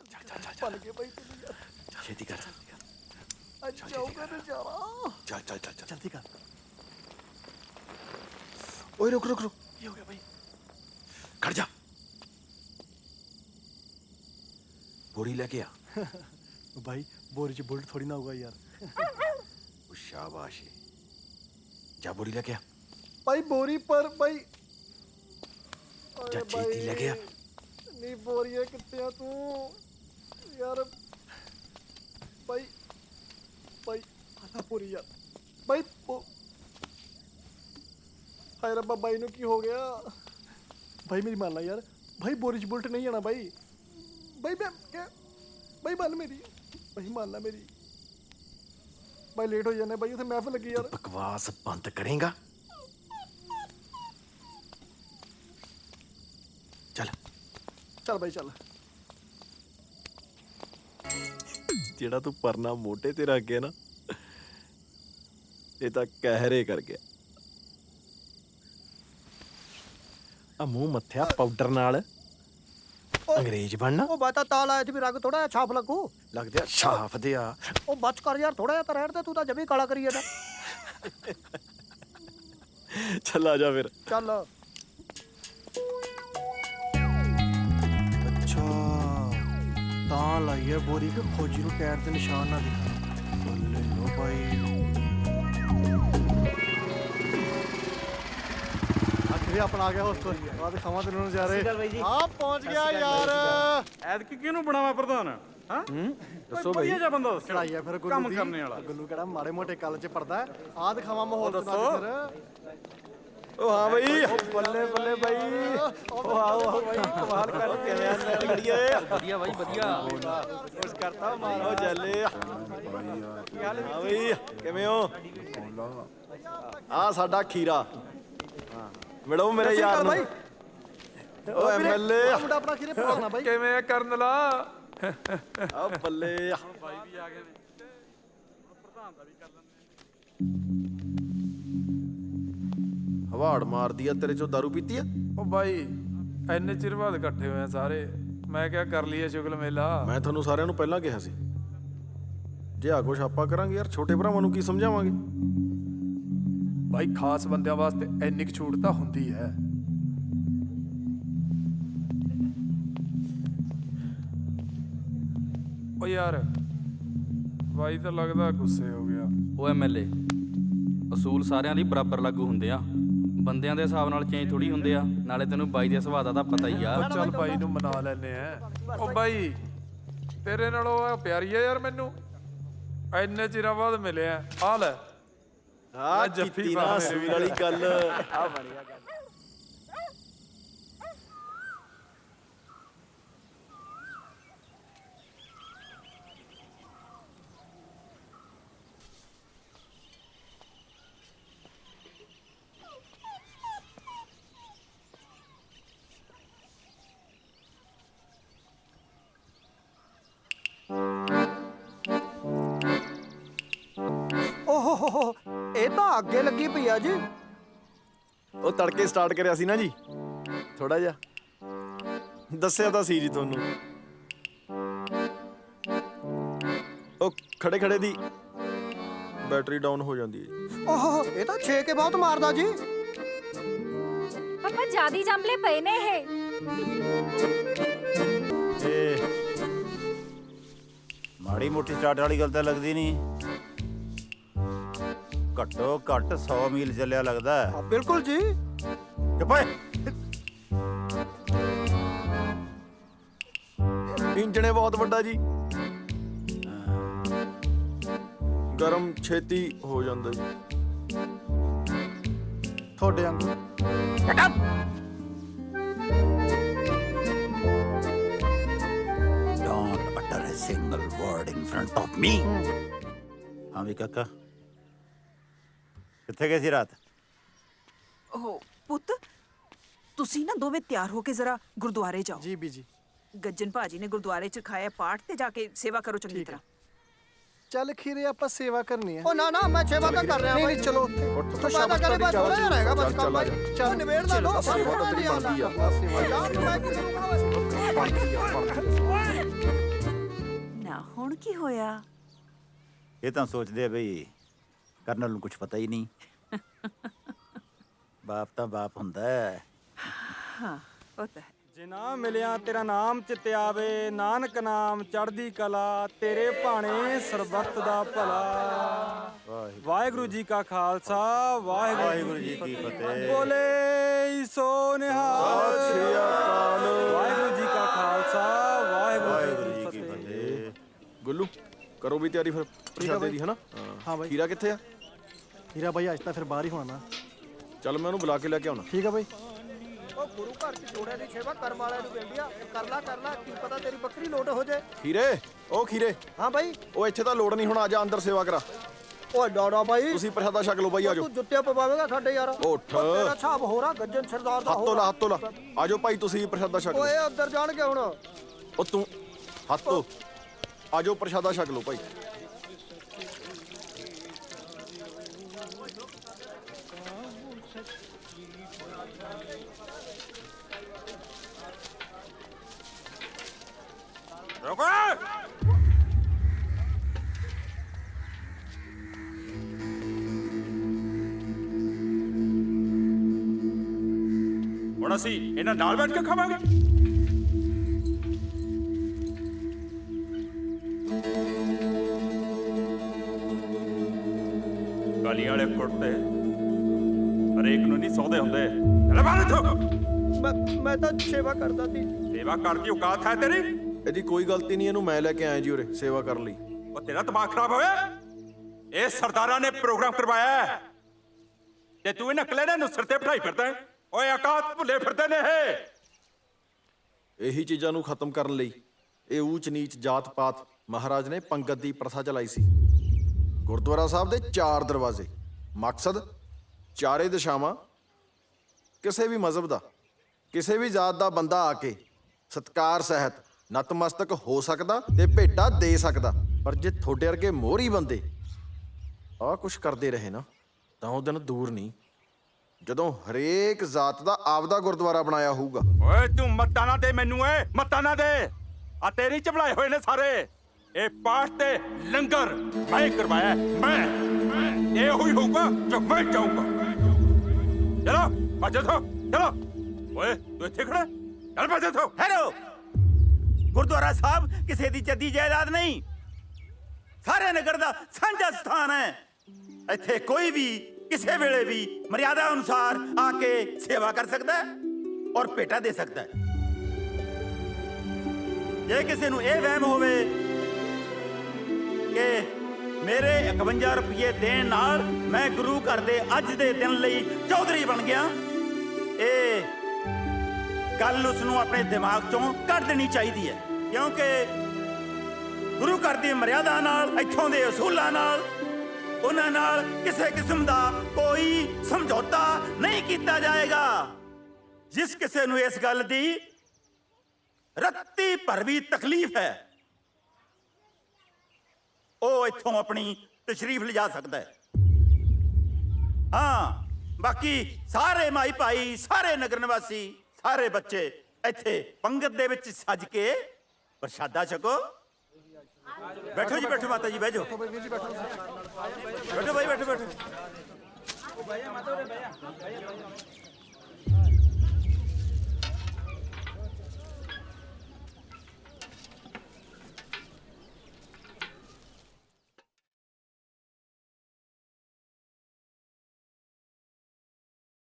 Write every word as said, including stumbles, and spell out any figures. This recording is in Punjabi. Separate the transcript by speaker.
Speaker 1: ਬਣ ਗਏ ਬਾਈ ਤੈਨੂੰ ਯਾਰ।
Speaker 2: ਛੇਤੀ ਕਰ
Speaker 1: ਅੱਜ ਜਾਊਗਾ ਨਜ਼ਾਰਾ।
Speaker 2: ਚੱਲ ਚੱਲ ਚੱਲ ਚੱਲ
Speaker 1: ਜਲਦੀ ਕਰ।
Speaker 2: ਓਏ ਰੁਕ ਰੁਕ ਰੁਕ
Speaker 1: ਕੀ ਹੋ ਗਿਆ ਬਾਈ?
Speaker 2: ਖੜ ਜਾ ਬੋਰੀ ਲੈ ਕੇ ਆ
Speaker 1: ਬਾਈ ਬੋਰੀ ਚ ਬੁਲਟ ਥੋੜੀ ਨਾ ਹੋਊਗਾ ਯਾਰ।
Speaker 2: ਉਹ ਸ਼ਾਬਾਸ਼ ਏ। ਜਾ ਬੋਰੀ ਲੈ ਕੇ ਆ
Speaker 1: ਬਾਈ ਬੋਰੀ ਪਰ ਬਾਈ
Speaker 2: ਜਾ ਛੇਤੀ ਲੈ ਕੇ ਆ।
Speaker 1: ਨਹੀਂ ਬੋਰੀਏ ਕਿੱਥੇ ਆ ਤੂੰ ਯਾਰ? ਬਾਈ ਬਾਈ ਆਲਾ ਬੋਰੀ ਯਾਰ। ਬਾਈ ਹਾਏ ਰੱਬਾ ਬਾਈ ਨੂੰ ਕੀ ਹੋ ਗਿਆ? ਬਾਈ ਮੇਰੀ ਮੰਨ ਲਾ ਯਾਰ। ਬਾਈ ਬੋਰੀ ਚ ਬੁਲਟ ਨਹੀਂ ਆਣਾ ਬਾਈ। ਬਾਈ ਮੈਂ ਕਿਆ ਬਾਈ ਮੰਨ ਮੇਰੀ। ਬਾਈ ਮੰਨ ਲਾ ਮੇਰੀ। ਬਾਈ ਲੇਟ ਹੋ ਜਾਣੇ ਬਾਈ, ਉੱਥੇ ਮਹਿਫਲ ਲੱਗੀ ਯਾਰ।
Speaker 2: ਬਕਵਾਸ ਬੰਦ ਕਰੇਗਾ? ਚੱਲ
Speaker 1: ਚੱਲ ਬਾਈ ਚੱਲ।
Speaker 2: ਜਿਹੜਾ ਤੂੰ ਪਰਨਾ ਮੋਢੇ ਤੇ ਰੱਖ ਗਿਆ ਨਾ, ਇਹ ਤਾਂ ਕਹਿਰੇ ਕਰ ਗਿਆ। ਆ ਮੂੰਹ ਮੱਥਿਆ ਪਾਊਡਰ ਨਾਲ ਅੰਗਰੇਜ਼ ਬਣਨਾ।
Speaker 1: ਉਹ ਬਾਤਾ ਤਾਲ ਆਇਆ ਸੀ ਵੀ ਰੰਗ ਥੋੜਾ ਜਿਹਾ ਛਾਪ ਲੱਗੂ।
Speaker 2: ਲੱਗਦੇ ਆ ਛਾਪ ਦੇ ਆ।
Speaker 1: ਉਹ ਬਚ ਕਰ ਯਾਰ, ਥੋੜਾ ਜਿਹਾ ਤਾਂ ਰਹਿਣ ਦੇ, ਤੂੰ ਤਾਂ ਜਮੀ ਕਾਲਾ ਕਰੀ ਜਾਂਦਾ।
Speaker 2: ਚੱਲ ਆ ਜਾ ਫਿਰ।
Speaker 1: ਚੱਲ। ਅੱਛਾ ਤਾਂ ਲਾਈਏ ਬੋਰੀ ਕਿ ਫੌਜੀ ਨੂੰ ਟਾਇਰ ਦੇ ਨਿਸ਼ਾਨ ਨਾ ਦਿਖਾ। ਬੱਲੇ ਲੋ ਬਾਈ। ਆਖਰੀ ਆਪਣਾ ਆ ਗਿਆ ਹੋਸਟ। ਆ ਦਿਖਾਵਾਂ ਤੈਨੂੰ ਨਜ਼ਾਰੇ। ਹਾਂ ਪਹੁੰਚ ਗਿਆ ਯਾਰ।
Speaker 3: ਐਤਕੀ ਕਿਹਨੂੰ ਬਣਾਵਾ ਪ੍ਰਧਾਨ? ਹਾਂ ਦੱਸੋ ਬਈ। ਵਧੀਆ ਜਿਹਾ ਬੰਦਾ ਦੱਸੋ।
Speaker 1: ਚੜਾਈ ਆ ਫਿਰ
Speaker 3: ਕੰਮ ਕਰਨੇ ਵਾਲਾ।
Speaker 1: ਗੁੱਲੂ ਕਿਹੜਾ ਮਾੜੇ ਮੋਟੇ ਕੱਲ ਚ ਪੜਦਾ। ਆ ਦਿਖਾਵਾਂ ਮਾਹੌਲ ਦੱਸੋ ਫਿਰ।
Speaker 2: ਉਹ ਹਾਂ ਬਈ।
Speaker 1: ਬੱਲੇ ਬੱਲੇ ਬਾਈ।
Speaker 2: ਉਹ ਆਓ ਆਓ ਬਾਈ, ਕਮਾਲ ਕਰ ਕਿਵੇਂ ਆ ਨੈਣ ਗੜੀਏ?
Speaker 4: ਵਧੀਆ ਬਾਈ ਵਧੀਆ।
Speaker 2: ਕੁਛ ਕਰਤਾ ਮਾਰੋ ਚੱਲੇ ਆ। ਹਾਂ ਬਈ ਕਿਵੇਂ ਹੋ? ਆ ਸਾਡਾ ਖੀਰਾ। ਮਿਲੋ ਮੇਰੇ ਯਾਰ ਨੂੰ। ਓ ਐਮਐਲਏ
Speaker 1: ਮੁੰਡਾ ਆਪਣਾ ਖੀਰੇ ਪੜਾਉਣਾ ਬਾਈ।
Speaker 3: ਕਿਵੇਂ ਆ ਕਰਨ ਲਾ?
Speaker 2: ਆ ਬੱਲੇ ਆ।
Speaker 3: ਬਾਈ ਵੀ ਆ ਗਏ ਨੇ। ਹੁਣ ਪ੍ਰਧਾਨ ਦਾ ਵੀ ਕਰ ਲੈਂਦੇ।
Speaker 2: ਹਵਾੜ ਮਾਰਦੀ ਆ ਤੇਰੇ ਚੋਂ ਦਾਰੂ ਪੀਤੀ ਆ?
Speaker 3: ਉਹ ਬਾਈ ਇੰਨੇ ਚਿਰ ਬਾਅਦ ਇਕੱਠੇ ਹੋਏ ਆ ਸਾਰੇ। ਮੈਂ ਕਿਹਾ ਕਰ ਲਈਏ ਸ਼ੁਗਲ ਮੇਲਾ।
Speaker 2: ਮੈਂ ਤੁਹਾਨੂੰ ਸਾਰਿਆਂ ਨੂੰ ਪਹਿਲਾਂ ਕਿਹਾ ਸੀ, ਜੇ ਆ ਕੁਛ ਆਪਾਂ ਕਰਾਂਗੇ ਯਾਰ ਛੋਟੇ ਭਰਾਵਾਂ ਨੂੰ ਕੀ ਸਮਝਾਵਾਂਗੇ?
Speaker 3: ਬਾਈ ਖਾਸ ਬੰਦਿਆਂ ਵਾਸਤੇ ਇੰਨੀ ਕੁ ਛੂਟ ਤਾਂ ਹੁੰਦੀ ਹੈ। ਓ ਯਾਰ ਬਾਈ ਤਾਂ ਲੱਗਦਾ ਗੁੱਸੇ ਹੋ ਗਿਆ।
Speaker 4: ਉਹ ਐਮਐਲਏ ਅਸੂਲ ਸਾਰਿਆਂ ਲਈ ਬਰਾਬਰ ਲਾਗੂ ਹੁੰਦੇ ਆ। ਬੰਦਿਆਂ ਦੇ ਹਿਸਾਬ ਨਾਲ ਚੇਂਜ ਥੋੜੀ ਹੁੰਦੇ ਆ। ਨਾਲੇ ਤੈਨੂੰ ਬਾਈ ਦੇ ਸੁਭਾਅ ਦਾ ਤਾਂ ਪਤਾ ਹੀ ਆ।
Speaker 3: ਉਹ ਚੱਲ ਬਾਈ ਨੂੰ ਮਨਾ ਲੈਨੇ ਆ। ਉਹ ਬਾਈ ਤੇਰੇ ਨਾਲੋਂ ਆ ਪਿਆਰੀ ਆ ਯਾਰ ਮੈਨੂੰ। ਇੰਨੇ ਚਿਰਾਂ ਬਾਅਦ ਮਿਲਿਆ। ਆ ਲੈ
Speaker 2: ਆ ਜੱਫੀ ਨਾ ਸੂਰ ਵਾਲੀ ਗੱਲ।
Speaker 3: ਆ ਬਣਿਆ ਗੱਲ।
Speaker 1: ਓਹ ਹੋ ਹੋ ਇਹ ਤਾਂ ਅੱਗੇ ਲੱਗੀ ਪਈ ਆ ਜੀ।
Speaker 2: ਉਹ ਤੜਕੇ ਸਟਾਰਟ ਕਰਿਆ ਸੀ ਨਾ ਜੀ ਥੋੜਾ ਜਿਹਾ। ਦੱਸਿਆ ਤਾਂ ਸੀ ਜੀ ਤੁਹਾਨੂੰ। ਉਹ ਖੜੇ ਖੜੇ ਦੀ ਬੈਟਰੀ ਡਾਊਨ ਹੋ ਜਾਂਦੀ ਹੈ ਜੀ।
Speaker 1: ਓਹ ਇਹ ਤਾਂ ਛੇ ਕੇ ਬਹੁਤ ਮਾਰਦਾ ਜੀ।
Speaker 5: ਪਾਪਾ ਜਿਆਦੀ ਜੰਮਲੇ ਪਏ ਨੇ ਇਹ।
Speaker 6: ਏ ਮਾੜੀ ਮੋਟੀ ਸਟਾਰਟ ਵਾਲੀ ਗੱਲ ਤਾਂ ਲੱਗਦੀ ਨਹੀਂ। ਘੱਟੋ ਘੱਟ ਸੌ ਮੀਲ ਚੱਲਿਆ ਲੱਗਦਾ ਹੈ।
Speaker 1: ਬਿਲਕੁਲ ਜੀ।
Speaker 6: ਚੁੱਪ ਓਏ।
Speaker 2: ਇੰਜਣੇ ਬਹੁਤ ਵੱਡਾ ਜੀ, ਗਰਮ ਛੇਤੀ ਹੋ ਜਾਂਦਾ ਜੀ।
Speaker 1: ਤੁਹਾਡੇ ਵਾਂਗੂ।
Speaker 6: Don't utter a single word in front of me. ਹਾਂ ਵੀ ਕਾਕਾ ਕਿੱਥੇ ਗਏ ਸੀ ਰਾਤ?
Speaker 7: ਓ ਪੁੱਤ ਤੁਸੀਂ ਨਾ ਦੋਵੇਂ ਤਿਆਰ ਹੋ ਕੇ ਜ਼ਰਾ ਗੁਰਦੁਆਰੇ ਜਾਓ।
Speaker 1: ਜੀ ਬੀਜੀ।
Speaker 7: ਗੱਜਨ ਭਾਜੀ ਨੇ ਗੁਰਦੁਆਰੇ ਚ ਖਾਇਆ ਪਾਠ ਤੇ ਜਾ ਕੇ ਸੇਵਾ ਕਰੋ ਚੰਗੀ ਤਰ੍ਹਾਂ।
Speaker 1: ਚੱਲ ਖੀਰੇ ਆਪਾਂ ਸੇਵਾ ਕਰਨੀ ਹੈ। ਉਹ ਨਾ ਨਾ ਮੈਂ ਸੇਵਾ ਤਾਂ ਕਰ ਰਿਹਾ ਬਾਈ। ਚਲੋ ਉੱਥੇ ਤੂੰ ਸ਼ਾਬਾਸ਼ ਕਰੇ ਬਾਈ। ਥੋੜਾ ਜਿਹਾ ਰਹੇਗਾ ਬਸ ਕੰਮ। ਚੱਲ ਨਿਬੇੜ ਦਾ ਦੋ
Speaker 2: ਸੇਵਾ ਤਾਂ ਤੇਰੀ ਬਣਦੀ ਆ।
Speaker 1: ਯਾਰ ਮੈਂ ਕਿਉਂ
Speaker 2: ਬਣਦੀ ਆ ਬਣਦੀ ਆ।
Speaker 7: ਹੁਣ ਕੀ ਹੋਇਆ?
Speaker 6: ਇਹ ਤਾਂ ਸੋਚਦੇ ਆ ਬਈ ਕਰਨਲ ਨੂੰ ਕੁਝ ਪਤਾ ਹੀ ਨਹੀਂ। ਬਾਪ ਤਾਂ ਬਾਪ ਹੁੰਦਾ ਹੈ।
Speaker 7: ਹਾਂ ਉਹ ਤਾਂ ਹੈ।
Speaker 8: ਜੇ ਨਾ ਮਿਲਿਆ ਤੇਰਾ ਨਾਮ ਚਿੱਤੇ ਆਵੇ, ਨਾਨਕ ਨਾਮ ਚੜ੍ਹਦੀ ਕਲਾ, ਤੇਰੇ ਭਾਣੇ ਸਰਬੱਤ ਦਾ ਭਲਾ। ਵਾਹਿਗੁਰੂ ਜੀ ਕਾ ਖਾਲਸਾ, ਵਾਹਿਗੁਰੂ
Speaker 6: ਵਾਹਿਗੁਰੂ ਜੀ ਕੀ ਫਤਿਹ।
Speaker 8: ਬੋਲੇ ਸੋ ਨਿਹਾਲ।
Speaker 2: ਸਤਿ ਸ਼੍ਰੀ ਅਕਾਲ।
Speaker 8: ਵਾਹਿਗੁਰੂ ਜੀ ਕਾ ਖਾਲਸਾ, ਵਾਹਿਗੁਰੂ
Speaker 6: ਵਾਹਿਗੁਰੂ
Speaker 8: ਜੀ
Speaker 6: ਜੀ
Speaker 8: ਕੀ
Speaker 6: ਕੀ
Speaker 8: ਫਤਿਹ।
Speaker 6: ਫਤਿਹ।
Speaker 2: ਗੁੱਲੂ ਕਰੋ ਵੀ ਤਿਆਰੀ ਫਿਰ ਪ੍ਰਸ਼ਾਦੇ ਦੀ ਹਨਾ
Speaker 1: ਹਾਂ ਬਾਈ।
Speaker 2: ਖੀਰਾ ਕਿੱਥੇ ਆ?
Speaker 1: ਹੀਰਾ ਬਾਈ ਅੱਜ ਤਾਂ ਫਿਰ ਬਾਹਰ ਹੀ ਹੋਣਾ ਨਾ।
Speaker 2: ਚੱਲ ਮੈਂ ਉਹਨੂੰ ਬੁਲਾ ਕੇ ਲੈ ਕੇ ਆਉਣਾ।
Speaker 1: ਠੀਕ ਆ ਬਾਈ।
Speaker 9: ਉਹ ਗੁਰੂ ਘਰ ਚ ਜੋੜਿਆਂ ਦੀ ਸੇਵਾ ਕਰਮ ਵਾਲਿਆਂ ਨੂੰ ਕਹਿੰਦੀ ਆ, ਕਰ ਲਾ ਕਰ ਲਾ, ਕੀ ਪਤਾ ਤੇਰੀ ਬੱਕਰੀ ਲੋਟ ਹੋ ਜੇ।
Speaker 2: ਖੀਰੇ ਉਹ ਖੀਰੇ
Speaker 9: ਹਾਂ ਬਾਈ।
Speaker 2: ਉਹ ਇੱਥੇ ਤਾਂ ਲੋੜ ਨਹੀਂ ਹੁਣ, ਆ ਜਾ ਅੰਦਰ ਸੇਵਾ ਕਰਾ।
Speaker 9: ਓਏ ਡਾੜਾ ਬਾਈ,
Speaker 2: ਤੁਸੀਂ ਪ੍ਰਸ਼ਾਦਾ ਛਕ ਲਓ ਬਾਈ, ਆਜੋ।
Speaker 9: ਤੂੰ ਜੁੱਤੀਆਂ ਪਵਾਵੇਂਗਾ ਸਾਡੇ ਯਾਰ।
Speaker 2: ਉੱਠ।
Speaker 9: ਉਹ ਤੇਰਾ ਹਿਸਾਬ ਹੋ ਰਿਹਾ ਗੱਜਣ ਸਰਦਾਰ ਦਾ
Speaker 2: ਹੱਥ
Speaker 9: ਹੋ
Speaker 2: ਲਾ ਹੱਥ ਲਾ ਆਜੋ ਭਾਈ, ਤੁਸੀਂ ਵੀ ਪ੍ਰਸ਼ਾਦਾ ਛਕ ਲਓ।
Speaker 9: ਓਏ ਅੰਦਰ ਜਾਣਗੇ ਹੁਣ।
Speaker 2: ਉਹ ਤੂੰ ਹੱਥ ਧੋ, ਆਜੋ ਪ੍ਰਸ਼ਾਦਾ ਛਕ ਲਓ ਭਾਈ।
Speaker 3: ਰੁਕੋ। ਹੁਣ ਅਸੀਂ ਇਹਨਾਂ ਨਾਲ ਬੈਠ ਕੇ ਖਾਵਾਂਗੇ। ਗਾਲੀਆਂ ਵਾਲੇ ਕੁੱਟਦੇ ਹਰੇਕ ਨੂੰ ਨਹੀਂ ਸੌਦੇ ਹੁੰਦੇ। ਚੱਲ ਬਾਹਰ ਇੱਥੋਂ।
Speaker 9: ਮੈਂ ਮੈਂ ਤਾਂ ਸੇਵਾ ਕਰਦਾ ਸੀ।
Speaker 3: ਸੇਵਾ ਕਰਨ ਦੀ ਔਕਾਤ ਹੈ ਤੇਰੀ?
Speaker 2: ਇਹਦੀ ਕੋਈ ਗਲਤੀ ਨਹੀਂ, ਇਹਨੂੰ ਮੈਂ ਲੈ ਕੇ ਆਇਆ ਜੀ ਉਰੇ ਸੇਵਾ ਕਰਨ ਲਈ।
Speaker 3: ਉਹ ਤੇਰਾ ਦਿਮਾਗ ਖਰਾਬ ਹੋਇਆ? ਇਹ ਸਰਦਾਰਾਂ ਨੇ ਪ੍ਰੋਗਰਾਮ ਕਰਵਾਇਆ ਹੈ ਤੇ ਤੂੰ ਇਹਨਾਂ ਕਲੇਰਾਂ ਨੂੰ ਸਿਰ ਤੇ ਬਿਠਾਈ ਫਿਰਦਾ ਹੈ। ਓਏ ਔਕਾਤ ਭੁੱਲੇ ਫਿਰਦੇ ਨੇ ਇਹ।
Speaker 2: ਇਹੀ ਚੀਜ਼ਾਂ ਨੂੰ ਖਤਮ ਕਰਨ ਲਈ ਇਹ ਊਚ ਨੀਚ ਜਾਤ ਪਾਤ ਮਹਾਰਾਜ ਨੇ ਪੰਗਤ ਦੀ ਪ੍ਰਥਾ ਚਲਾਈ ਸੀ। ਗੁਰਦੁਆਰਾ ਸਾਹਿਬ ਦੇ ਚਾਰ ਦਰਵਾਜ਼ੇ, ਮਕਸਦ ਚਾਰੇ ਦਿਸ਼ਾਵਾਂ। ਕਿਸੇ ਵੀ ਮਜ਼ਹਬ ਦਾ, ਕਿਸੇ ਵੀ ਜਾਤ ਦਾ ਬੰਦਾ ਆ ਕੇ ਸਤਕਾਰ ਸਹਿਤ ਨਤਮਸਤਕ ਹੋ ਸਕਦਾ ਤੇ ਭੇਟਾ ਦੇ ਸਕਦਾ। ਪਰ ਜੇ ਤੁਹਾਡੇ ਵਰਗੇ ਮੋਹਰੀ ਬੰਦੇ ਆਹ ਕੁਛ ਕਰਦੇ ਰਹੇ ਨਾ, ਤਾਂ ਉਹ ਦਿਨ ਦੂਰ ਨਹੀਂ ਜਦੋਂ ਹਰੇਕ ਜਾਤ ਦਾ ਆਪਦਾ ਗੁਰਦੁਆਰਾ ਬਣਾਇਆ ਹੋਊਗਾ।
Speaker 3: ਓਏ ਤੂੰ ਮੱਤਾਂ ਨਾ ਦੇ ਮੈਨੂੰ, ਓਏ ਮੱਤਾਂ ਨਾ ਦੇ। ਆ ਤੇਰੀ ਚਬਲਾਏ ਹੋਏ ਨੇ ਸਾਰੇ। ਇਹ ਪਾਠ ਤੇ ਲੰਗਰ ਮੈਂ ਕਰਵਾਇਆ, ਮੈਂ ਇਹ ਹੋਈ ਹੋਊਗਾ ਜੋ ਮੈਂ ਚਾਹੂੰਗਾ। ਚਲੋ ਭੱਜੋ ਥੋ, ਚਲੋ। ਓਏ ਤੂੰ ਇੱਥੇ ਖੜਾ, ਚੱਲ ਭੱਜੋ ਥੋ।
Speaker 6: ਹੈਲੋ, ਗੁਰਦੁਆਰਾ ਸਾਹਿਬ ਕਿਸੇ ਦੀ ਜੱਦੀ ਜਾਇਦਾਦ ਨਹੀਂ, ਸਾਰੇ ਨਗਰ ਦਾ ਸਾਂਝਾ ਸਥਾਨ ਹੈ। ਇੱਥੇ ਕੋਈ ਵੀ ਕਿਸੇ ਵੇਲੇ ਵੀ ਮਰਿਆਦਾ ਅਨੁਸਾਰ ਆ ਕੇ ਸੇਵਾ ਕਰ ਸਕਦਾ ਹੈ ਔਰ ਭੇਟਾ ਦੇ ਸਕਦਾ ਹੈ। ਜੇ ਕਿਸੇ ਨੂੰ ਇਹ ਵਹਿਮ ਹੋਵੇ ਕਿ ਮੇਰੇ ਇਕਵੰਜਾ ਰੁਪਏ ਦੇਣ ਨਾਲ ਮੈਂ ਗੁਰੂ ਘਰ ਦੇ ਅੱਜ ਦੇ ਦਿਨ ਲਈ ਚੌਧਰੀ ਬਣ ਗਿਆ, ਇਹ ਗੱਲ ਉਸ ਨੂੰ ਆਪਣੇ ਦਿਮਾਗ ਚੋਂ ਕੱਢ ਦੇਣੀ ਚਾਹੀਦੀ ਹੈ। ਕਿਉਂਕਿ ਗੁਰੂ ਘਰ ਦੀ ਮਰਿਆਦਾ ਨਾਲ, ਇੱਥੋਂ ਦੇ ਅਸੂਲਾਂ ਨਾਲ, ਉਹਨਾਂ ਨਾਲ ਕਿਸੇ ਕਿਸਮ ਦਾ ਕੋਈ ਸਮਝੌਤਾ ਨਹੀਂ ਕੀਤਾ ਜਾਏਗਾ। ਜਿਸ ਕਿਸੇ ਨੂੰ ਇਸ ਗੱਲ ਦੀ ਰੱਤੀ ਭਰ ਵੀ ਤਕਲੀਫ ਹੈ, ਉਹ ਇੱਥੋਂ ਆਪਣੀ ਤਸ਼ਰੀਫ ਲਿਜਾ ਸਕਦਾ ਹੈ। ਹਾਂ, ਬਾਕੀ ਸਾਰੇ ਮਾਈ ਭਾਈ, ਸਾਰੇ ਨਗਰ ਨਿਵਾਸੀ, ਸਾਰੇ ਬੱਚੇ ਇੱਥੇ ਪੰਗਤ ਦੇ ਵਿੱਚ ਸੱਜ ਕੇ ਪ੍ਰਸ਼ਾਦਾ ਛਕੋ। ਬੈਠੋ ਜੀ, ਬੈਠੋ ਮਾਤਾ ਜੀ, ਬਹਿ ਜਾਓ। ਬੈਠੋ ਭਾਈ, ਬੈਠੋ ਬੈਠੋ।